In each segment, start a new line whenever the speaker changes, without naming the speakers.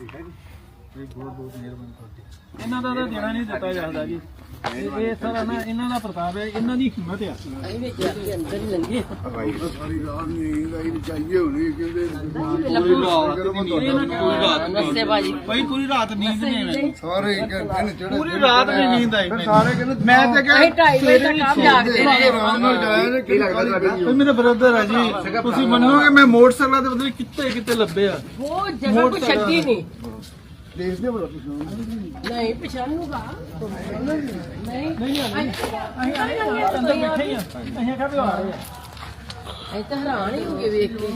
ਬਹੁਤ ਬਹੁਤ ਮਿਹਰਬਾਨੀ ਤੁਹਾਡੀ। ਇਹਨਾਂ ਦਾ ਤਾਂ ਦੇਣਾ ਨਹੀਂ ਦਿੱਤਾ ਜਾਂਦਾ ਜੀ। ਇਹ ਸਾਰਾ ਨਾ ਇਹਨਾਂ ਦਾ ਪ੍ਰਤਾਪ ਹੈ, ਇਹਨਾਂ ਦੀ ਹਿੰਮਤ ਆ। ਅੰਦਰ ਹੀ ਲੰਗੇ ਸਾਰੀ ਰਾਤ ਨੀਂਦ ਆਈ ਚਾਹੀਏ ਹੋਣੀ ਕਿਉਂਕਿ ਭਾਈ ਪੂਰੀ ਰਾਤ ਨੀਂਦ ਨਹੀਂ ਆਈ। ਸਾਰੇ ਦਿਨ ਚੜੇ ਪੂਰੀ ਰਾਤ ਨਹੀਂ ਨੀਂਦ ਆਈ। ਸਾਰੇ ਕਹਿੰਦੇ ਮੈਂ ਤੇ ਕਿਹਾ 2:30 ਵਜੇ ਤੱਕ ਆਪ ਜਾਗਦੇ ਰਹੇ। ਆਰਾਮ ਨਾਲ ਜਾਇਆ ਨੇ। ਕੀ ਲੱਗਦਾ ਤੁਹਾਡਾ? ਮੇਰੇ ਬ੍ਰਦਰ ਆ ਜੀ। ਤੁਸੀਂ ਮੰਨੋਗੇ ਮੈਂ ਮੋਟਰਸਾਈਕਲ ਤੇ ਪਤਾ ਨਹੀਂ ਕਿੱਥੇ ਲੱਭੇ ਆ। ਉਹ ਜਗ੍ਹਾ ਕੋਈ ਛੱਡੀ ਨਹੀਂ। ਦੇਖਦੇ ਬੜਾ ਨਹੀਂ ਪਛਾਣੂਗਾ ਨਹੀਂ ਨਹੀਂ ਅਸੀਂ ਅੰਦਰ ਬੈਠੇ ਆ। ਅਸੀਂ ਕਾ ਵੀ ਆ ਰਹੇ ਆ। ਅਸੀਂ ਤਾਂ ਹੈਰਾਨ ਹੀ ਹੋ ਗਏ ਵੇਖ ਕੇ।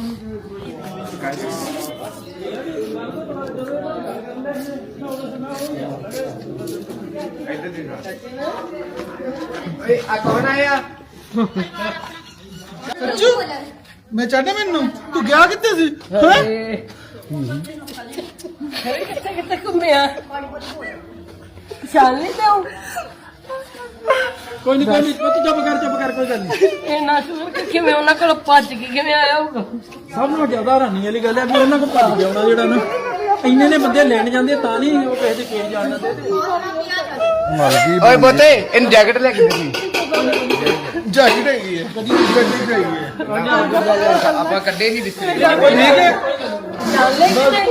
ਆ ਕੌਣ ਆਇਆ?
ਸੱਚੂ ਮੈਂ ਚਾਹਨਾ ਮੈਨੂੰ ਤੂੰ ਗਿਆ ਕਿੱਥੇ ਸੀ?
ਕਿੱਥੇ ਘੁੰਮਿਆ ਪਛਾਣ ਨਹੀਂ ਤੂੰ?
ਕੋਈ ਨਹੀਂ ਚੁੱਪ ਕਰ ਕੋਈ ਗੱਲ ਨਹੀਂ।
ਇਹ ਨਾ ਸੁਣ ਕੇ ਕਿਵੇਂ ਉਹਨਾਂ ਕੋਲ ਭੱਜ ਕੇ ਕਿਵੇਂ ਆਇਆ ਹੋਊਗਾ?
ਸਭ ਨੂੰ ਜ਼ਿਆਦਾ ਹੈਰਾਨੀ ਵਾਲੀ ਗੱਲ ਹੈ ਵੀ ਉਹਨਾਂ ਕੋਲ ਭੱਜ ਜਾਣਾ ਜਿਹੜਾ ਨਾ ਇੰਨੇ ਨੇ ਬੰਦੇ ਲੈਣ ਜਾਂਦੇ ਤਾਂ ਨਹੀਂ ਉਹ ਕਿਸੇ ਦੇ ਕੇਸ ਜਾਣ ਦਿੰਦੇ।
ਓਏ ਬੋਤੇ ਇਹਨੂੰ ਜੈਕਟ ਲੈ ਕੇ ਦੇ।
ਜੈਕਟ ਹੈਗੀ ਹੈ ਗੱਡੀ ਹੈਗੀ ਹੈ।
ਆਪਾਂ ਕੱਢੇ ਨਹੀਂ ਦਿਸਦੇ।
ਕੋਈ ਨਹੀਂ ਕਿ
ਚੱਲ ਲੈ ਕਿਤੇ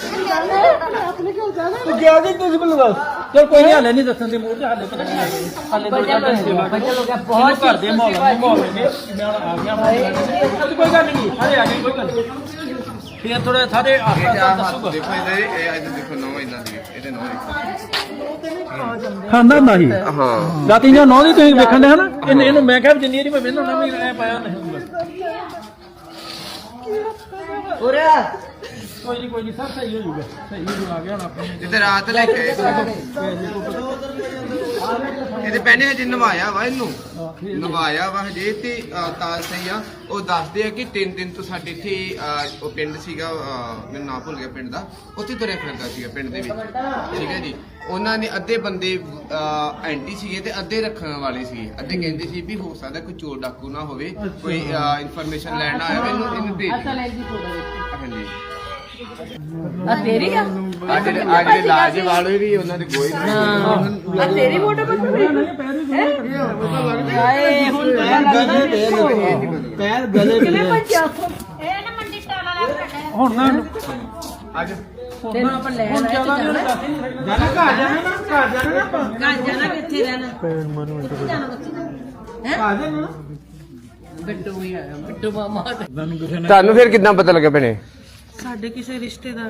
ਤੂੰ ਗਿਆ ਕਿ ਤੁਸੀਂ ਮੈਨੂੰ ਦੱਸ। ਚਲ ਕੋਈ ਨਹੀਂ ਹਾਲੇ ਨਹੀਂ ਦੱਸਣ ਦੇ ਮੂੰਹ ਤੇ ਹਾਲੇ ਪਤਾ ਨਹੀਂ ਹਾਲੇ ਦੋ ਚਾਰ ਦਿਨ ਸੇਵਾ ਬਹੁਤ ਘਰ ਦੇ ਮਾਹੌਲ ਨੇ ਮੈਂ ਆ ਗਿਆ। ਕੋਈ ਗੱਲ ਨਹੀਂ ਸਾਰੇ ਆ ਗਏ ਕੋਈ ਗੱਲ ਨਹੀਂ। ਫਿਰ ਥੋੜਾ ਸਾਰੇ ਦੱਸੂਗਾ।
ਦੇਖੋ ਇਹ ਅੱਜ ਦੇਖੋ ਨੌ ਇਹਨਾਂ ਦੀ ਇਹਦੇ ਨੌ
ਖਾਂਦਾ ਹੁੰਦਾ ਸੀ।
ਹਾਂ
ਰਾਤੀ ਜਾਂ 9 ਦੀ ਤੁਸੀਂ ਵੇਖਣ ਦੇ ਹਨਾ ਇਹਨੂੰ ਮੈਂ ਕਿਹਾ ਜਿੰਨੀ ਵਾਰੀ ਮੈਂ ਵੇਖਣਾ ਨਾ ਵੀ ਐ ਪਾਇਆ ਨਹੀਂ ਹੁੰਦਾ। ਕੋਈ ਨਹੀਂ ਸਭ ਸਹੀ ਹੋ ਜਾਊਗਾ। ਸਹੀ ਹੋ ਆ ਗਿਆ ਹੁਣ ਆਪਣੇ
ਜਿੱਤੇ ਰਾਤ ਲੈ ਕੇ ਇਹਦੇ ਪਹਿਨੇ ਹਜੇ ਨਵਾਇਆ ਵਾ ਇਹਨੂੰ ਨਵਾਇਆ ਵਾ ਹਜੇ ਤੇ ਤਾਂ ਸਹੀ ਆ। ਉਹ ਦੱਸਦੇ ਆ ਕਿ 3 ਦਿਨ ਤੋਂ ਸਾਡੇ ਇੱਥੇ ਉਹ ਪਿੰਡ ਸੀਗਾ ਮੈਨੂੰ ਨਾਂ ਭੁੱਲ ਗਿਆ ਪਿੰਡ ਦਾ। ਉੱਥੇ ਤੁਰਿਆ ਫਿਰਦਾ ਸੀਗਾ ਪਿੰਡ ਦੇ ਵਿੱਚ। ਠੀਕ ਹੈ ਜੀ। ਉਹਨਾਂ ਨੇ ਅੱਧੇ ਬੰਦੇ ਐਂਟੀ ਸੀਗੇ ਤੇ ਅੱਧੇ ਰੱਖਣ ਵਾਲੇ ਸੀਗੇ। ਅੱਧੇ ਕਹਿੰਦੇ ਸੀ ਵੀ ਹੋ ਸਕਦਾ ਕੋਈ ਚੋਰ ਡਾਕੂ ਨਾ ਹੋਵੇ ਕੋਈ ਇਨਫੋਰਮੇਸ਼ਨ ਲੈਣ ਆਇਆ ਇਹਨੂੰ ਭੇਜ। ਹਾਂਜੀ
ਆ ਤੇਰੀ ਆ
ਅੱਜ ਦੇ ਲਾਜ ਵਾਲੇ ਵੀ ਉਹਨਾਂ ਦੇ ਗੋਈ
ਆ ਤੇਰੀ ਫੋਟੋ ਬਣਾਉਣੀ ਹਾਏ ਹੁਣ
ਪੈਰ ਗਲੇ
ਕਿਵੇਂ ਭੱਜਿਆ
ਇਹ ਨਾ ਮੰਡੀ ਟਾਲਾ ਲੈ ਕੇ ਬੈਠਾ
ਹੁਣ ਨਾ
ਅੱਜ
ਤੈਨੂੰ ਆਪਾਂ ਲੈ ਆਏ
ਜਾਣਾ ਘਰ ਜਾਣਾ ਆਪਾਂ
ਘਰ ਜਾਣਾ ਕਿੱਥੇ ਰਹਿਣਾ ਕਿੱਥੇ ਜਾਣਾ ਬੱਚੇ
ਆ ਜਾਣਾ
ਬਿੱਟੂ ਵੀ ਆਇਆ ਬਿੱਟੂ ਮਾਮਾ
ਤੁਹਾਨੂੰ ਫਿਰ ਕਿੱਦਾਂ ਪਤਾ ਲੱਗਾ ਭੈਣੇ?
ਸਾਡੇ ਕਿਸੇ ਰਿਸ਼ਤੇਦਾਰ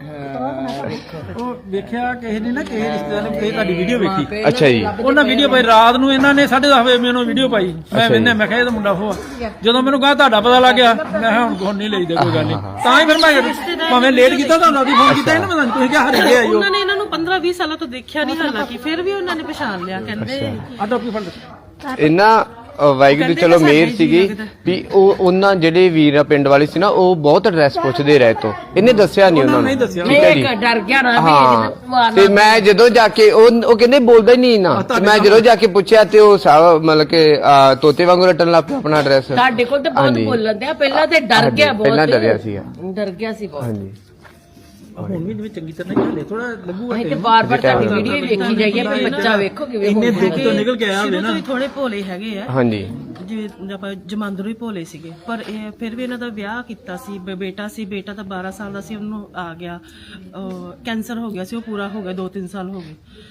ਉਹ ਵੇਖਿਆ ਕਿਸੇ ਨੇ ਨਾ ਕਿਸੇ ਰਿਸ਼ਤੇਦਾਰ ਨੇ ਤੁਹਾਡੀ ਵੀਡੀਓ ਵੇਖੀ।
ਅੱਛਾ ਜੀ।
ਉਹਨਾਂ ਵੀਡੀਓ ਪਾਈ ਰਾਤ ਨੂੰ ਇਹਨਾਂ ਨੇ 10:30 ਵਜੇ ਮੈਨੂੰ ਵੀਡੀਓ ਪਾਈ। ਮੈਂ ਵੇਖਿਆ ਮੈਂ ਕਿਹਾ ਇਹ ਤਾਂ ਮੁੰਡਾ ਹੋਆ। ਜਦੋਂ ਮੈਨੂੰ ਕਹਾ ਤੁਹਾਡਾ ਪਤਾ ਲੱਗ ਗਿਆ ਮੈਂ ਕਿਹਾ ਹੁਣ ਨਹੀਂ ਲਈਦਾ ਕੋਈ ਗੱਲ ਨਹੀਂ। ਤਾਂ ਹੀ ਫਿਰ ਮੈਂ ਭਾਵੇਂ ਲੇਟ ਕੀਤਾ ਤੁਹਾਨੂੰ ਵੀ ਫੋਨ ਕੀਤਾ ਇਹਨੂੰ ਪਤਾ ਨਹੀਂ ਤੁਸੀਂ ਕਿਹਾ ਹਰੇ ਗਏ ਆਇਓ।
ਉਹਨਾਂ ਨੇ ਇਹਨਾਂ ਨੂੰ 15-20 ਸਾਲਾਂ ਤੋਂ ਦੇਖਿਆ ਨਹੀਂ ਹਾਲਾਂਕਿ ਫਿਰ ਵੀ ਉਹਨਾਂ ਨੇ ਪਛਾਣ ਲਿਆ ਕਹਿੰਦੇ
ਆ ਟੋਪੀ ਫੜ
ਇਹਨਾਂ ਵਾਹਿਗੁਰੂ ਚਲੋ ਮਿਹਰ ਸੀਗੀ ਵੀ ਉਹ ਉਹਨਾਂ ਜਿਹੜੇ ਵੀਰ ਪਿੰਡ ਵਾਲੇ ਸੀ ਨਾ ਉਹ ਬਹੁਤ ਐਡਰੈਸ ਪੁੱਛਦੇ ਰਹੇ ਤੋਂ ਇਹਨੇ ਦੱਸਿਆ ਨਹੀਂ ਉਹਨਾਂ ਨੂੰ। ਠੀਕ ਹੈ ਜੀ।
ਡਰ ਗਿਆ ਨਾ
ਹਾਂ ਤੇ ਮੈਂ ਜਦੋਂ ਜਾ ਕੇ ਉਹ ਕਹਿੰਦੇ ਬੋਲਦਾ ਹੀ ਨਹੀਂ ਨਾ। ਮੈਂ ਜਦੋਂ ਜਾ ਕੇ ਪੁੱਛਿਆ ਤੇ ਉਹ ਮਤਲਬ ਕਿ ਤੋਤੇ ਵਾਂਗੂ ਰਟਣ ਲੱਗ ਪਿਆ ਆਪਣਾ ਐਡਰੈਸ।
ਸਾਡੇ ਕੋਲ ਤਾਂ ਬਹੁਤ ਬੋਲਣ ਦਿਆ ਪਹਿਲਾਂ ਤੇ ਡਰ ਗਿਆ ਬਹੁਤ।
ਪਹਿਲਾਂ ਡਰਿਆ ਸੀਗਾ।
ਡਰ ਗਿਆ ਸੀ ਬਹੁਤ।
ਹਾਂਜੀ
ਹੁਣ ਵੀ ਜਿਵੇਂ ਚੰਗੀ ਤਰ੍ਹਾਂ ਨਹੀਂ ਹਲੇ ਥੋੜਾ ਲੱਗੂਗਾ
ਅਸੀਂ ਤੇ ਬਾਰ-ਬਾਰ ਤੁਹਾਡੀ ਵੀਡੀਓ ਹੀ ਵੇਖੀ ਜਾਈਏ ਪਰ ਬੱਚਾ ਵੇਖੋ ਕਿਵੇਂ
ਇੰਨੇ ਦੁੱਖ ਤੋਂ ਨਿਕਲ ਕੇ ਆਇਆ ਹੋਵੇ
ਸ਼ੁਰੂ
ਨਾ।
ਤੋਂ ਹੀ ਥੋੜੇ ਭੋਲੇ ਹੈਗੇ ਆ
ਹਾਂਜੀ
ਜਿਵੇਂ ਆਪਾਂ ਜਮਾਂਦਰੂ ਹੀ ਭੋਲੇ ਸੀਗੇ ਪਰ ਇਹ ਫਿਰ ਵੀ ਇਹਨਾਂ ਦਾ ਵਿਆਹ ਕੀਤਾ ਸੀ ਬੇਟਾ ਸੀ। ਬੇਟਾ ਤਾਂ 12 ਸਾਲ ਦਾ ਸੀ ਉਹਨੂੰ ਆ ਗਿਆ ਕੈਂਸਰ ਹੋ ਗਿਆ ਸੀ। ਉਹ ਪੂਰਾ ਹੋ ਗਿਆ 2-3 ਸਾਲ ਹੋ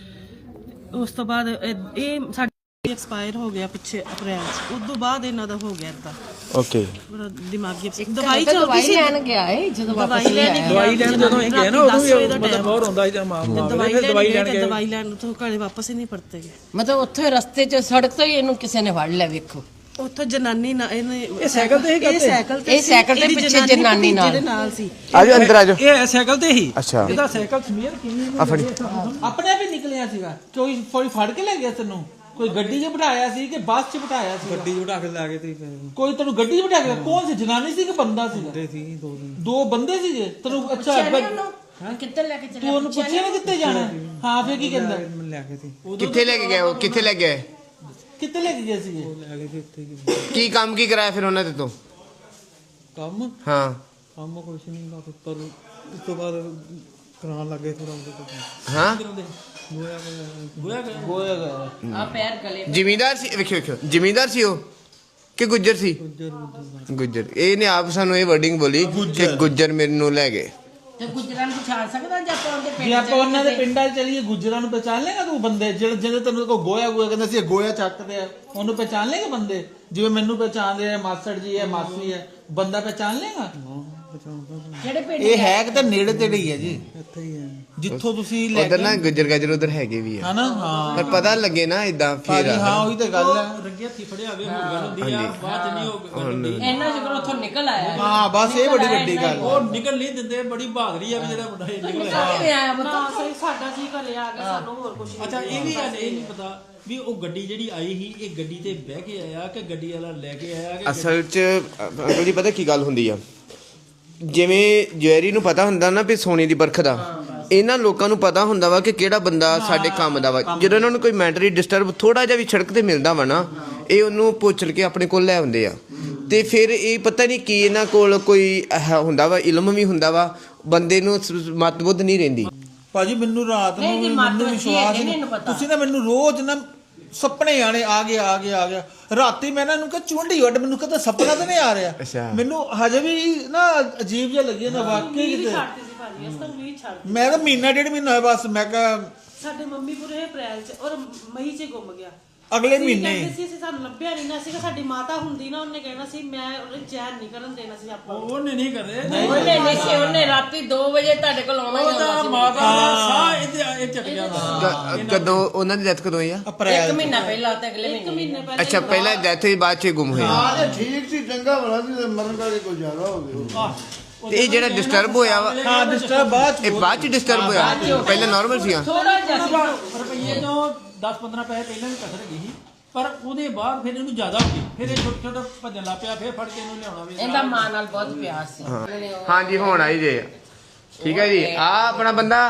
ਗਏ। ਉਸ ਤੋਂ ਬਾਅਦ ਇਹ ਸਾਡੇ ਐਕਸਪਾਇਰ ਹੋ ਗਿਆ ਪਿੱਛੇ ਅਪ੍ਰੈਲ ਚ। ਉਸ ਤੋਂ ਬਾਅਦ ਇਹਨਾਂ ਦਾ ਹੋ ਗਿਆ ਏਦਾਂ
ਓਕੇ
ਦਿਮਾਗੀ ਦਵਾਈ ਚੱਲਦੀ ਸੀ।
ਲੈਣ ਗਿਆ ਏ ਜਦੋਂ ਵਾਪਸ
ਦਵਾਈ ਲੈਣ ਜਦੋਂ ਇਹ ਗਏ ਨਾ ਉਦੋਂ ਵੀ ਮਤਲਬ ਬਹੁਤ ਹੁੰਦਾ ਸੀ
ਦਵਾਈ ਲੈਣ ਤੋਂ ਘਰੇ ਵਾਪਸ ਹੀ ਨਹੀਂ ਪਰਤੇ ਗਏ।
ਮਤਲਬ ਉੱਥੇ ਰਸਤੇ 'ਚ ਸੜਕ ਤੋਂ ਹੀ ਇਹਨੂੰ ਕਿਸੇ ਨੇ ਫੜ ਲਿਆ ਵੇਖੋ।
ਉੱਥੋਂ ਜਨਾਨੀ ਨਾ ਇਹਨੇ
ਇਹ ਸਾਈਕਲ ਤੇ ਹੀ ਕਰਦੇ
ਇਹ ਸਾਈਕਲ ਤੇ ਪਿੱਛੇ ਜਨਾਨੀ
ਨਾਲ ਸੀ।
ਆਜੋ ਅੰਦਰ ਆਜੋ।
ਇਹ ਸਾਈਕਲ ਤੇ ਹੀ
ਅੱਛਾ
ਇਹਦਾ ਸਾਈਕਲ ਸਮੀਰ ਕਿੰਨੀ
ਆ ਫੜੀ
ਆਪਣੇ ਆਪ ਹੀ ਨਿਕਲਿਆ ਸੀਗਾ। ਕੋਈ ਫੜ ਕੇ ਲੈ ਗਿਆ ਤੈਨੂੰ ਕੋਈ ਗੱਡੀ 'ਚ ਬਿਠਾਇਆ ਸੀ ਕਿ ਬੱਸ 'ਚ ਬਿਠਾਇਆ ਸੀ? ਗੱਡੀ 'ਚ ਬਿਠਾ ਕੇ ਲੈ ਗਏ ਤੇ ਕੋਈ ਤੈਨੂੰ ਗੱਡੀ 'ਚ ਬਿਠਾ ਕੇ ਕੌਣ ਸੀ? ਜਨਾਨੀ ਸੀ ਕਿ ਬੰਦਾ ਸੀ? ਬੰਦੇ ਸੀ ਦੋ ਬੰਦੇ ਸੀਗੇ ਤੈਨੂੰ। ਅੱਛਾ
ਕਿੱਥੇ ਲੈ ਕੇ ਚੱਲੇ?
ਤੂੰ ਉਹਨੂੰ ਪੁੱਛਿਆ ਨਾ ਕਿੱਥੇ ਜਾਣਾ? ਹਾਂ ਫੇਰ ਕੀ ਕਹਿੰਦਾ? ਲੈ ਕੇ ਸੀ
ਕਿੱਥੇ ਲੈ ਕੇ ਗਏ ਉਹ? ਕਿੱਥੇ ਲੈ ਗਏ?
ਕਿੱਥੇ ਲੈ ਕੇ ਗਏ ਸੀਗੇ?
ਲੈ ਗਏ ਸੀ ਉੱਥੇ
ਕੀ ਕੰਮ ਕੀ ਕਰਾਇਆ ਫਿਰ ਉਹਨਾਂ ਦੇ ਤੋਂ?
ਕੰਮ
ਹਾਂ
ਕੰਮ ਕੁਛ ਨਹੀਂ ਲਾ ਪਰ ਉਸ ਤੋਂ ਬਾਅਦ
ਕਰਾਉਣ ਲੱਗੇ ਥੋੜਾ
ਹਾਂ
ਆ ਪੈਰ ਗਲੇ
ਜ਼ਿਮੀਂਦਾਰ ਸੀ, ਵੇਖਿਓ ਵੇਖਿਓ ਜ਼ਿਮੀਂਦਾਰ ਸੀ ਉਹ ਕਿ ਗੁੱਜਰ ਸੀ? ਗੁੱਜਰ। ਇਹਨੇ ਆਪ ਸਾਨੂੰ ਇਹ ਵਰਡਿੰਗ ਬੋਲੀ ਕਿ ਗੁੱਜਰ ਮੈਨੂੰ ਲੈ ਗਏ।
ਤੇ ਗੁਜਰਾਂ ਨੂੰ ਪਛਾਣ ਸਕਦਾ ਜਾਂ ਆਪਾਂ ਉਹਦੇ ਪਿੰਡ
ਜੇ ਆਪਾਂ ਉਹਨਾਂ ਦੇ ਪਿੰਡਾਂ 'ਚ ਚਲੀਏ ਗੁੱਜਰਾਂ ਨੂੰ ਪਹਿਚਾਣ ਲੇਗਾ ਤੂੰ? ਬੰਦੇ ਜਿਹੜੇ ਤੈਨੂੰ ਕੋ ਗੋਇਆ ਕਹਿੰਦੇ ਸੀ ਗੋਇਆ ਚੱਕਦੇ ਆ, ਉਹਨੂੰ ਪਹਿਚਾਣ ਲੇਗਾ ਬੰਦੇ? ਜਿਵੇਂ ਮੈਨੂੰ ਪਹਿਚਾਣਦੇ ਆ ਮਾਸੜ ਜੀ ਹੈ, ਮਾਸੀ ਹੈ, ਬੰਦਾ ਪਹਿਚਾਣ ਲੇਗਾ?
ਜਿਹੜੇ ਪਿੰਡ
ਇਹ ਹੈ ਕਿ ਤਾਂ ਨੇੜੇ ਤੇੜੇ ਹੀ ਹੈ ਜੀ, ਇੱਥੇ ਹੀ ਹੈ ਜਿੱਥੋਂ ਤੁਸੀਂ ਲੈ
ਉਧਰ ਨਾ ਗੁੱਜਰ ਗਾਜਰ ਉਧਰ ਹੈਗੇ ਵੀ ਆ
ਹਨਾ। ਹਾਂ
ਪਰ ਪਤਾ ਲੱਗੇ ਨਾ ਇਦਾਂ ਫਿਰ
ਹਾਂ ਉਹੀ ਤਾਂ ਗੱਲ ਹੈ।
ਰੰਗੇ ਹੱਥੀ ਫੜਿਆ ਹੋਵੇ ਹੋਰ ਗੱਲ ਹੁੰਦੀ ਆ, ਬਾਅਦ ਚ ਨਹੀਂ ਉਹ ਗੱਲ ਹੁੰਦੀ।
ਇਹਨਾਂ ਸ਼ੁਕਰ ਉੱਥੋਂ ਨਿਕਲ ਆਇਆ
ਹਾਂ ਬਸ ਇਹ ਬੜੀ ਵੱਡੀ ਗੱਲ ਹੈ।
ਉਹ ਨਿਕਲ ਨਹੀਂ ਦਿੰਦੇ, ਬੜੀ ਬਹਾਦਰੀ ਆ ਵੀ ਜਿਹੜਾ ਮੁੰਡਾ ਇਹ ਨਿਕਲ ਆਇਆ।
ਕਿਵੇਂ ਆਇਆ
ਨਾ
ਮਤਲਬ
ਸਹੀ ਸਾਡਾ ਜੀ ਘਰੇ ਆ ਕੇ ਸਾਨੂੰ ਹੋਰ ਕੁਝ
ਅੱਛਾ ਇਹ ਵੀ ਗੱਲ ਇਹ ਨਹੀਂ ਪਤਾ ਵੀ ਉਹ ਗੱਡੀ ਜਿਹੜੀ ਆਈ ਸੀ ਇਹ ਗੱਡੀ ਤੇ ਬਹਿ ਕੇ ਆਇਆ ਕਿ ਗੱਡੀ ਵਾਲਾ ਲੈ ਕੇ ਆਇਆ ਕਿ
ਅਸਲ 'ਚ ਅੰਕਲ ਜੀ ਪਤਾ ਕੀ ਗੱਲ ਹੁੰਦੀ ਆ, ਜਿਵੇਂ ਜਵੈਰੀ ਨੂੰ ਪਤਾ ਹੁੰਦਾ ਨਾ ਵੀ ਸੋਨੇ ਦੀ ਬਰਖ ਦਾ, ਇਹਨਾਂ ਲੋਕਾਂ ਨੂੰ ਪਤਾ ਹੁੰਦਾ ਵਾ ਕਿ ਕਿਹੜਾ ਬੰਦਾ ਸਾਡੇ ਕੰਮ ਦਾ ਵਾ। ਜਦੋਂ ਇਹਨਾਂ ਨੂੰ ਕੋਈ ਮੈਂਟਲੀ ਡਿਸਟਰਬ ਥੋੜਾ ਜਿਹਾ ਵੀ ਸੜਕ ਤੇ ਮਿਲਦਾ ਵਾ ਨਾ, ਇਹ ਉਹਨੂੰ ਪੁੱਛ ਕੇ ਆਪਣੇ ਕੋਲ ਲੈ ਆਉਂਦੇ ਆ। ਤੇ ਫਿਰ ਇਹ ਪਤਾ ਨਹੀਂ ਕੀ ਇਹਨਾਂ ਕੋਲ ਕੋਈ ਹੁੰਦਾ ਵਾ, ਇਲਮ ਵੀ ਹੁੰਦਾ ਵਾ, ਬੰਦੇ ਨੂੰ ਮਤਬੁੱਧ ਨਹੀਂ ਰਹਿੰਦੀ।
ਭਾਜੀ ਮੈਨੂੰ ਰਾਤ ਨੂੰ
ਨਹੀਂ,
ਮੈਨੂੰ ਵਿਸ਼ਵਾਸ
ਨਹੀਂ,
ਨਹੀਂ,
ਇਹਨੂੰ ਪਤਾ।
ਤੁਸੀਂ ਨਾ ਮੈਨੂੰ ਰੋਜ਼ ਨਾ ਸੁਪਨੇ ਆਣੇ ਆ ਗਿਆ ਰਾਤੀ ਮੈਂ ਇਹਨਾਂ ਨੂੰ ਕਿਹਾ ਚੁੰਡੀ ਵੱਡ, ਮੈਨੂੰ ਕਹਿੰਦਾ ਸੁਪਨਾ ਤਾਂ ਨਹੀਂ ਆ ਰਿਹਾ।
ਅੱਛਾ।
ਮੈਨੂੰ ਹਜੇ ਵੀ ਨਾ ਅਜੀਬ ਜਿਹਾ ਲੱਗਿਆ ਨਾ ਵਾਕਈ ਕਿਤੇ।
ਛੱਡਦੇ ਸੀ ਭਾਜੀ, ਅਸਾਂ ਵੀ ਛੱਡ
ਮੈਂ ਤਾਂ ਮਹੀਨਾ ਡੇਢ ਮਹੀਨਾ ਹੋਇਆ ਬਸ, ਮੈਂ ਕਿਹਾ
ਸਾਡੇ ਮੰਮੀ ਪੂਰੇ ਅਪ੍ਰੈਲ ਚ ਔਰ ਮਈ ਚ ਗੁੰਮ ਗਿਆ।
ਅਗਲੇ
ਅਸੀਂ
ਮਹੀਨੇ
ਕਹਿੰਦੇ ਸੀ ਅਸੀਂ ਸਾਨੂੰ ਲੱਭਿਆ ਨਹੀਂ ਨਾ ਸੀਗਾ। ਸਾਡੀ ਮਾਤਾ ਹੁੰਦੀ ਨਾ, ਉਹਨੇ ਕਹਿਣਾ ਸੀ ਮੈਂ ਉਹਨੇ ਚੈਨ ਨਹੀਂ ਕਰਨ ਦੇਣਾ ਸੀ ਆਪਾਂ ਨੂੰ।
ਉਹਨੇ ਨਹੀਂ ਕਰਦੇ
ਉਹਨੇ ਨਸ਼ੇ ਉਹਨੇ ਰਾਤੀ 2 ਵਜੇ ਤੁਹਾਡੇ ਕੋਲ ਆਉਣਾ ਹੀ
ਉਹਦਾ
ਆਉਣਾ ਸੀ।
ਮਾਤਾ ਦਾ ਸਾਹ ਇਹ ਚੱਕ ਜਾਂਦਾ।
ਕਦੋਂ ਉਹਨਾਂ ਦੀ ਡੈਥ ਕਦੋਂ ਹੋਈ ਆ?
ਅਪ੍ਰੈਲ
1 ਮਹੀਨਾ ਪਹਿਲਾਂ ਤੇ ਅਗਲੇ
ਇੱਕ
ਮਹੀਨੇ
ਮਹੀਨੇ ਪਹਿਲਾਂ
ਅੱਛਾ ਪਹਿਲਾਂ ਡੈਥ ਹੋਈ, ਬਾਅਦ 'ਚ ਗੁੰਮ ਹੋਏ ਆ।
ਠੀਕ ਸੀ, ਚੰਗਾ ਭਲਾ ਸੀ, ਮਰਨ ਕਰਕੇ ਕੋਈ ਜ਼ਿਆਦਾ ਹੋ ਗਿਆ।
ਤੇ ਇਹ ਜਿਹੜਾ ਡਿਸਟਰਬ ਹੋਇਆ ਵਾ,
ਹਾਂ ਡਿਸਟਰਬ ਬਾਅਦ
ਇਹ ਬਾਅਦ 'ਚ ਡਿਸਟਰਬ ਹੋਇਆ, ਪਹਿਲਾਂ ਨਾਰਮਲ ਸੀਗਾ।
ਥੋੜਾ ਜਿਹਾ ਸੀ।
ਰੁਪਈਏ ਤੋਂ 10-15 ਪੈਸੇ ਪਹਿਲਾਂ ਵੀ ਕਸਰ ਗਈ ਸੀ, ਪਰ ਉਹਦੇ ਬਾਅਦ ਫਿਰ ਇਹਨੂੰ ਜ਼ਿਆਦਾ ਹੋ ਗਈ। ਫਿਰ ਇਹ ਛੋਟਾ ਭੱਜਣ ਲੱਗ ਪਿਆ, ਫਿਰ ਫੜ ਕੇ ਇਹਨੂੰ ਲਿਆਉਣਾ ਵੀ
ਇਹਦਾ ਮਾਂ ਨਾਲ ਬਹੁਤ ਪਿਆਰ ਸੀ।
ਹਾਂਜੀ ਹੁਣ ਆਈ ਜੇ, ਠੀਕ ਹੈ ਜੀ। ਆ ਆਪਣਾ ਬੰਦਾ,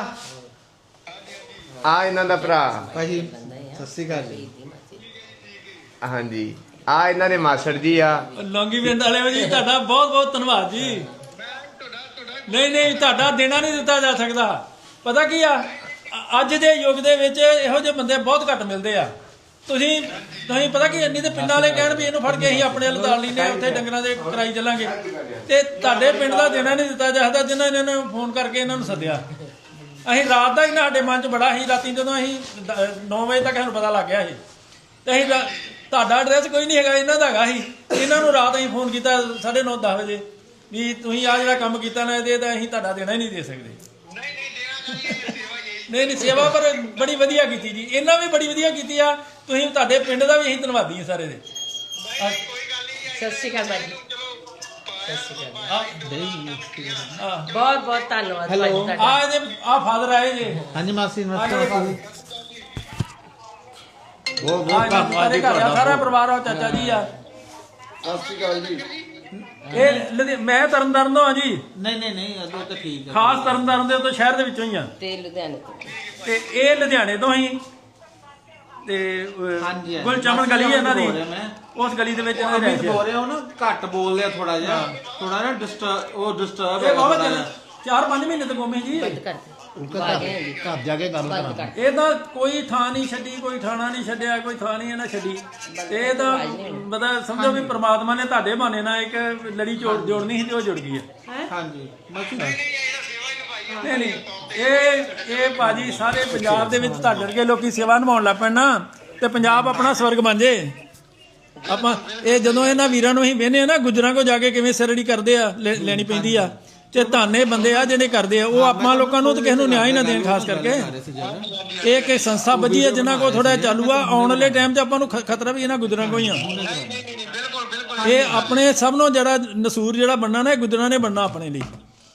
ਆ ਇਹਨਾਂ ਦਾ ਭਰਾ,
ਭਾਜੀ ਸਤਿ ਸ਼੍ਰੀ ਅਕਾਲ ਜੀ।
ਹਾਂਜੀ ਆ ਇਹਨਾਂ ਦੇ ਮਾਸੜ ਜੀ ਆ।
ਲੌਂਗੀ ਪਿੰਡ ਵਾਲੇ ਜੀ ਤੁਹਾਡਾ ਬਹੁਤ ਬਹੁਤ ਧੰਨਵਾਦ ਜੀ। ਨਹੀਂ ਤੁਹਾਡਾ ਦੇਣਾ ਨਹੀਂ ਦਿੱਤਾ ਜਾ ਸਕਦਾ। ਪਤਾ ਕੀ ਆ, ਅੱਜ ਦੇ ਯੁੱਗ ਦੇ ਵਿੱਚ ਇਹੋ ਜਿਹੇ ਬੰਦੇ ਬਹੁਤ ਘੱਟ ਮਿਲਦੇ ਆ। ਤੁਸੀਂ ਪਤਾ ਕੀ ਇੰਨੀ ਤੇ ਪਿੰਡਾਂ ਵਾਲੇ ਕਹਿਣ ਵੀ ਇਹਨੂੰ ਫੜ ਕੇ ਅਸੀਂ ਆਪਣੇ ਵੱਲ ਦਾਲ ਲੈਨੇ ਉੱਥੇ ਡੰਗਰਾਂ ਦੇ ਕਰਾਈ ਚੱਲਾਂਗੇ, ਤੇ ਤੁਹਾਡੇ ਪਿੰਡ ਦਾ ਦੇਣਾ ਨਹੀਂ ਦਿੱਤਾ ਜਾ ਸਕਦਾ ਜਿਨ੍ਹਾਂ ਨੇ ਇਹਨਾਂ ਨੂੰ ਫੋਨ ਕਰਕੇ ਇਹਨਾਂ ਨੂੰ ਸੱਦਿਆ। ਅਸੀਂ ਰਾਤ ਦਾ ਹੀ ਸਾਡੇ ਮਨ 'ਚ ਬੜਾ ਸੀ, ਰਾਤੀ ਜਦੋਂ ਅਸੀਂ 9 ਵਜੇ ਤੱਕ ਸਾਨੂੰ ਪਤਾ ਲੱਗ ਗਿਆ ਸੀ, ਤੇ ਅਸੀਂ ਤੁਹਾਡਾ ਐਡਰੈਸ ਕੋਈ ਨਹੀਂ ਹੈਗਾ, ਇਹਨਾਂ ਦਾ ਹੈਗਾ ਸੀ। ਇਹਨਾਂ ਨੂੰ ਰਾਤ ਅਸੀਂ ਫੋਨ ਕੀਤਾ 9:30-10 ਵਜੇ ਵੀ ਤੁਸੀਂ ਆ ਜਿਹੜਾ ਕੰਮ ਕੀਤਾ ਨਾ ਇਹਦੇ ਤਾਂ ਅਸੀਂ ਤੁਹਾਡਾ ਦੇਣਾ ਹੀ ਨਹੀਂ ਦੇ ਸਕਦੇ। ਨਹੀਂ ਸੇਵਾ ਪਰ ਬੜੀ ਵਧੀਆ ਕੀਤੀ ਜੀ, ਇਹਨਾਂ ਵੀ ਬੜੀ ਵਧੀਆ ਕੀਤੀ ਆ। ਤੁਸੀਂ ਤੁਹਾਡੇ ਪਿੰਡ ਦਾ ਵੀ ਅਸੀਂ ਧੰਨਵਾਦੀ ਹਾਂ ਸਾਰੇ ਦੇ।
ਸਤਿ ਸ਼੍ਰੀ ਅਕਾਲ ਭਾਜੀ। ਸਤਿ ਸ਼੍ਰੀ ਅਕਾਲ।
ਹਾਂ
ਬਹੁਤ ਬਹੁਤ ਧੰਨਵਾਦ ਭਾਜੀ ਤੁਹਾਡਾ।
ਆ ਫਾਦਰ ਆਏ ਜੇ।
ਹਾਂਜੀ ਮਾਸੀ
ਬਹੁਤ ਧੰਨਵਾਦ ਜੀ ਤੁਹਾਡਾ। ਸਾਰਾ ਪਰਿਵਾਰ ਆ, ਚਾਚਾ ਜੀ ਆ।
ਸਤਿ ਸ਼੍ਰੀ ਅਕਾਲ ਜੀ।
ਇਹ ਮੈਂ ਤਰਨਤਾਰਨ ਤੋਂ ਆ ਜੀ।
ਨਹੀਂ ਉਹ ਤਾਂ ਠੀਕ ਹੈ।
ਖਾਸ ਤਰਨਤਾਰਨ ਦੇ ਤੋਂ ਸ਼ਹਿਰ ਦੇ ਵਿੱਚੋਂ ਹੀ ਆ,
ਤੇ ਲੁਧਿਆਣੇ ਤੋਂ।
ਤੇ ਇਹ ਲੁਧਿਆਣੇ ਤੋਂ ਹੀ। ਤੇ ਗੁਲਚਮਨ ਗਲੀ ਹੈ ਇਹਨਾਂ ਦੀ, ਉਸ ਗਲੀ ਦੇ ਵਿੱਚ ਇਹਨਾਂ ਦੇ ਰਹਿ
ਬੋਲ ਰਿਹਾ ਉਹ ਨਾ ਘੱਟ ਬੋਲਦੇ ਆ ਥੋੜਾ ਜਿਹਾ, ਥੋੜਾ ਨਾ ਡਿਸਟਰਬ
ਇਹ ਬਾਬਾ 4-5 ਮਹੀਨੇ ਤੋਂ ਗੁੰਮੇ ਜੀ।
ਘਰ ਜਾ ਕੇ ਗੱਲ ਕਰਾਂ।
ਇਹ ਤਾਂ ਕੋਈ ਥਾਂ ਨਹੀਂ ਛੱਡੀ, ਕੋਈ ਥਾਣਾ ਨਹੀਂ ਛੱਡਿਆ, ਕੋਈ ਥਾਂ ਨਹੀਂ ਇਹਨਾਂ ਛੱਡੀ। ਤੇ ਇਹ ਤਾਂ ਮਤਲਬ ਸਮਝੋ ਵੀ ਪ੍ਰਮਾਤਮਾ ਨੇ ਤੁਹਾਡੇ ਬਹਾਨੇ ਨਾਲ ਇੱਕ ਲੜੀ ਜੋੜਨੀ ਸੀ ਤੇ ਉਹ ਜੁੜ ਗਈ ਹੈ।
ਹਾਂਜੀ
ਨਹੀਂ ਇਹ ਭਾਜੀ ਸਾਰੇ ਪੰਜਾਬ ਦੇ ਵਿੱਚ ਤੁਹਾਡੇ ਵਰਗੇ ਲੋਕੀ ਸੇਵਾ ਨਿਭਾਉਣ ਲੱਗ ਪੈਣ ਨਾ, ਤੇ ਪੰਜਾਬ ਆਪਣਾ ਸਵਰਗ ਬਣ ਜੇ। ਆਪਾਂ ਇਹ ਜਦੋਂ ਇਹਨਾਂ ਵੀਰਾਂ ਨੂੰ ਅਸੀਂ ਵੇਖਦੇ ਆ ਨਾ, ਗੁੱਜਰਾਂ ਕੋ ਜਾ ਕੇ ਕਿਵੇਂ ਸਿਰੜੀ ਕਰਦੇ ਆ, ਲੈਣੀ ਪੈਂਦੀ ਆ, ਤੇ ਧਾਨੇ ਬੰਦੇ ਆ ਜਿਹੜੇ ਕਰਦੇ ਆ। ਉਹ ਆਪਾਂ ਲੋਕਾਂ ਨੂੰ ਤੇ ਕਿਸੇ ਨੂੰ ਨਿਆਂ ਹੀ ਨਾ ਦੇਣ। ਖਾਸ ਕਰਕੇ ਇਹ ਇੱਕ ਸੰਸਥਾ ਵਧੀਆ ਹੈ ਜਿਨ੍ਹਾਂ ਕੋਲ ਥੋੜਾ ਚਾਲੂ ਆ। ਆਉਣ ਵਾਲੇ ਟਾਈਮ 'ਚ ਆਪਾਂ ਨੂੰ ਖਤਰਾ ਵੀ ਇਹਨਾਂ ਗੁੱਜਰਾਂ ਕੋ ਹੀ ਆ। ਇਹ ਆਪਣੇ ਸਭ ਨੂੰ ਜਿਹੜਾ ਨਸੂਰ ਜਿਹੜਾ ਬਣਨਾ ਨਾ, ਇਹ ਗੁੱਜਰਾਂ ਨੇ ਬਣਨਾ ਆਪਣੇ ਲਈ।